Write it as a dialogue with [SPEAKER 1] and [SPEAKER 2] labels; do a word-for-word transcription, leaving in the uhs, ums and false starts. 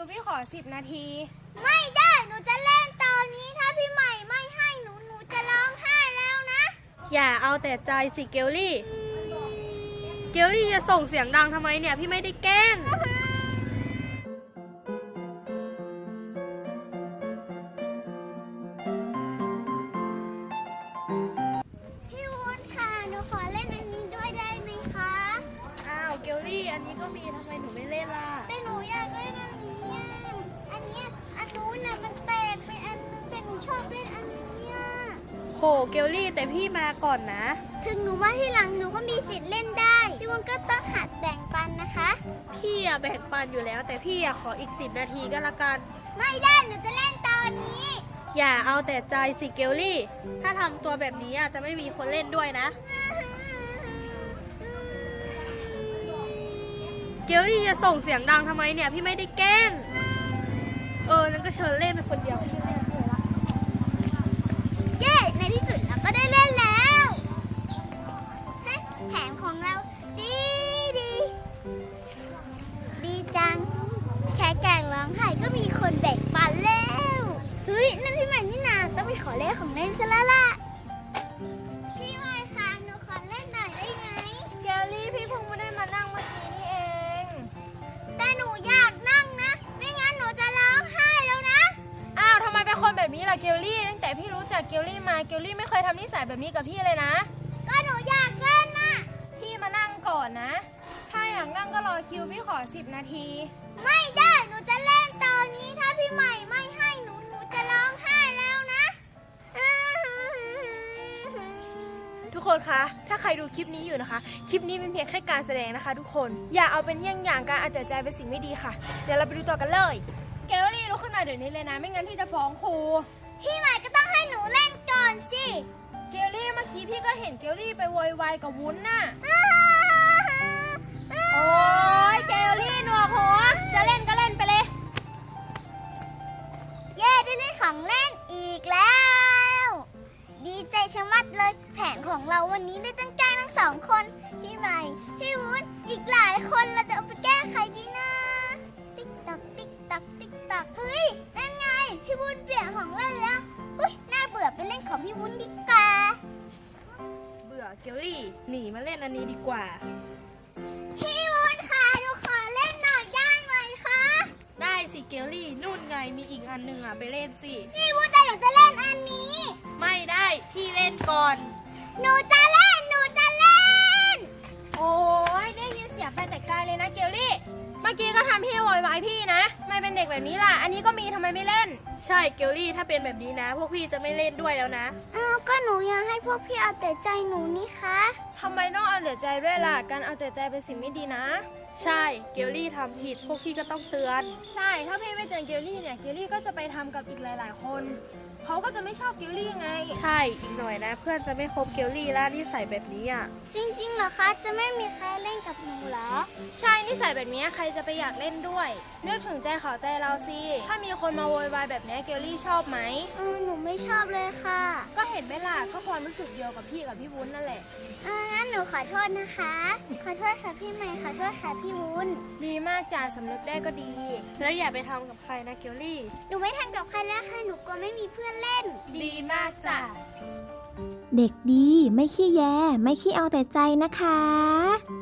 [SPEAKER 1] พี่ขอสิบนาที
[SPEAKER 2] ไม่ได้หนูจะเล่นตอนนี้ถ้าพี่ใหม่ไม่ให้หนูหนูจะร้องไห้แล้วนะ
[SPEAKER 3] อย่าเอาแต่ใจสิเกลลี่เกลลี่จะส่งเสียงดังทำไมเนี่ยพี่ไม่ได้แกล้ง
[SPEAKER 2] พี่วุ้นค่ะหนูขอเล่นอันนี้ด้วยได้ไหมคะ
[SPEAKER 3] อ้าวเกลลี่อันนี้ก็มีทำไมหนูไม่เล่นล่ะ
[SPEAKER 2] แต่หนูอยากเล่นอันนี้อ่ะอันเนี้ยอันนู้นน่ะมันแตกไปอันนึงแต่หนูชอบเล่นอันนี้อ่ะ
[SPEAKER 3] โหเกลลี่แต่พี่มาก่อนนะ
[SPEAKER 2] ถึงหนูว่าที่หลังหนูก็มีสิทธิ์เล่นได้พี่วุ้นก็ต้องหัดแบ่งปันนะคะ
[SPEAKER 3] พี่อะแบ่งปันอยู่แล้วแต่พี่อะขออีกสิบนาทีก็แล้วกัน
[SPEAKER 2] ไม่ได้หนูจะเล่นตอนนี้
[SPEAKER 3] อย่าเอาแต่ใจสิเกลลี่ถ้าทำตัวแบบนี้อะจะไม่มีคนเล่นด้วยนะเกลลี่จะส่งเสียงดังทำไมเนี่ยพี่ไม่ได้แกล้งเออนั่นก็เชิญเล่นเป็นคนเดียวพี่เล่นเลยละ
[SPEAKER 2] เย้ในที่สุดเราก็ได้เล่นแล้วแผนของเราดีดีดีจังแค่แกล้งร้องไห้ก็มีคนแบ่งปันแล้วเฮ้ยนั่นพี่ใหม่นี่นาต้องไปขอเล่นของเล่นซะแล้วล่ะพี่ใหม่คะหนูขอเล่นหน่อยได้ไหม
[SPEAKER 1] เกลลี่พี่เพิ่งไม่ได้มานั่งเมื่อกี้นี่เอง
[SPEAKER 2] แต่หนูอยากนั่งนะไม่งั้นหนูจะร้องไห้แล้วนะ
[SPEAKER 1] อ้าวทำไมเป็นคนแบบนี้ล่ะเกลลี่ตั้งแต่พี่รู้จักเกลลี่มาเกลลี่ไม่เคยทำนิสัยแบบนี้กับพี่เลยนะ
[SPEAKER 2] ก็หนูอยากเล่นนะ
[SPEAKER 1] พี่มานั่งก่อนนะถ้าอยากนั่งก็รอคิวพี่ขอสิบนาที
[SPEAKER 2] ไม่ได้หนูจะเล่นตอนนี้ถ้าพี่ใหม่ไม่ให้หนูหนูจะร้องไห้แล้วนะ
[SPEAKER 3] ทุกคนคะถ้าใครดูคลิปนี้อยู่นะคะคลิปนี้เป็นเพียงแค่การแสดงนะคะทุกคนอย่าเอาเป็นเยี่ยงอย่างการเอาแต่ใจเป็นสิ่งไม่ดีค่ะเดี๋ยวเราไปดูต่อกันเลย
[SPEAKER 1] เกลลี่ลุกขึ้นมาเดี๋ยวนี้เลยนะไม่งั้นพี่จะฟ้องครู
[SPEAKER 2] พี่ใหม่ก็ต้องให้หนูเล่นก่อนสิ
[SPEAKER 1] เกลลี่เมื่อกี้พี่ก็เห็นเกลลี่ไปโวยวายกับวุ้นน่ะโอ้ยเกลลี่หนวกหัวจะเล่นก็เล่นไปเลย
[SPEAKER 2] เย้ได้เล่นของเล่นอีกแล้วดีใจชะมัดเลยแผนของเราวันนี้ได้ตั้งใจทั้งสองคนพี่ใหม่พี่วุ้นอีกหลายคนเราจะเอาไปแก้ไขดีนะติ๊กตักติ๊กตักติ๊กตักเฮ้ยนั่นไงพี่วุ้นเปลี่ยนของเล่นแล้วอุ้ยน่าเบื่อไปเล่นของพี่วุ้นดีกว่า
[SPEAKER 3] เบื่อเกลลี่หนีมาเล่นอันนี้ดีกว่า
[SPEAKER 2] พี่วุ้นค่ะหนูขอเล่นหน่อยได้ไหมคะ
[SPEAKER 3] ได้สิเกลลี่นู่นไงมีอีกอันหนึ่งอ่ะไปเล่นสิ
[SPEAKER 2] พี่วุ้นแต่หนูจะเล่นอันนี้
[SPEAKER 3] ไม่ได้พี่เล่นก่อน
[SPEAKER 2] หนูจะเล่นหนูจะเล่น
[SPEAKER 1] โอ้ยได้ยินเสียงไปแต่ไกลเลยนะเกลลี่เมื่อกี้ก็ทำพี่โวยวายพี่นะไม่เป็นเด็กแบบนี้ล่ะอันนี้ก็มีทำไมไม่เล่น
[SPEAKER 3] ใช่เกลลี่ถ้าเป็นแบบนี้นะพวกพี่จะไม่เล่นด้วยแล้วนะ
[SPEAKER 2] อ้าวก็หนูอยากให้พวกพี่เอาแต่ใจหนูนี่คะ
[SPEAKER 1] ทำไมต้องเอาแต่ใจด้วยล่ะการเอาแต่ใจเป็นสิ่งไม่ดีนะ
[SPEAKER 3] ใช่เกลลี่ทำผิดพวกพี่ก็ต้องเตือน
[SPEAKER 1] ใช่ถ้าพี่ไม่เตือนเกลลี่เนี่ยเกลลี่ก็จะไปทำกับอีกหลายๆคนเขาก็จะไม่ชอบเกลลี่ไง
[SPEAKER 3] ใช่อีกหน่อยนะเพื่อนจะไม่คบเกลลี่แล้วนิสัยแบบนี้อ่ะ
[SPEAKER 2] จริงๆเหรอคะจะไม่มีใครเล่นกับหนูเหรอ
[SPEAKER 1] ใช่นิสัยแบบนี้ใครจะไปอยากเล่นด้วยนึกถึงใจเขาใจเราสิถ้ามีคนมาโวยวายแบบนี้เกลลี่ชอบไหม
[SPEAKER 2] เออหนูไม่ชอบเลยค่ะ
[SPEAKER 1] ก็เห็นไหมล่ะก็ความรู้สึกเดียวกับพี่กับพี่วุ้นนั่นแหละ
[SPEAKER 2] เอองั้นหนูขอโทษนะคะขอโทษค่ะพี่ใหม่ขอโทษค่ะพี่วุ้น
[SPEAKER 1] ดีมากจ้าสำนึกได้ก็ดี
[SPEAKER 3] แล้วอย่าไปทำกับใครนะเกลลี่
[SPEAKER 2] หนูไม่ทำกับใครแล้วค่ะหนูกลัวไม่มีเพื่อนเล่น
[SPEAKER 3] ดีมากจ้ะ
[SPEAKER 4] เด็กดีไม่ขี้แยไม่ขี้เอาแต่ใจนะคะ